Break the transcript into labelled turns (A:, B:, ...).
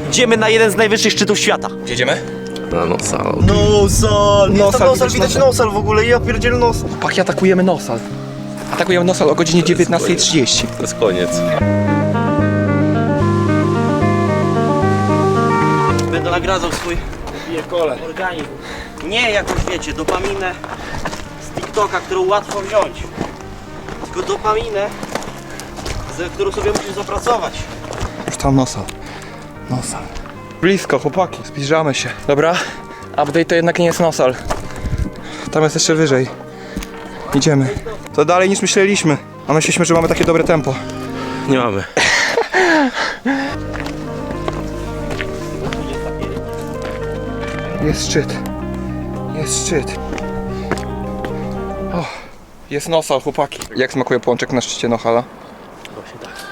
A: Idziemy na jeden z najwyższych szczytów świata.
B: Gdzie idziemy?
C: Na Nosal.
A: Nosal!
B: Nosal,
A: Widać nosal w ogóle, ja pierdzielę nosal.
B: Chłopaki, atakujemy Nosal. Atakujemy Nosal o godzinie 19:30.
C: To jest koniec.
A: Będę nagradzał swój organizm. Nie jakąś, wiecie, dopaminę z TikToka, którą łatwo wziąć. Tylko dopaminę, za którą sobie musisz zapracować.
B: Już tam Nosal. Nosal. Blisko, chłopaki, zbliżamy się. Dobra, update to jednak nie jest Nosal. Tam jest jeszcze wyżej. Idziemy. To dalej niż myśleliśmy. A myśleliśmy, że mamy takie dobre tempo.
C: Nie mamy.
B: Jest szczyt. Jest szczyt. O, jest Nosal, chłopaki. Jak smakuje pączek na szczycie Nosala?
C: Właśnie tak.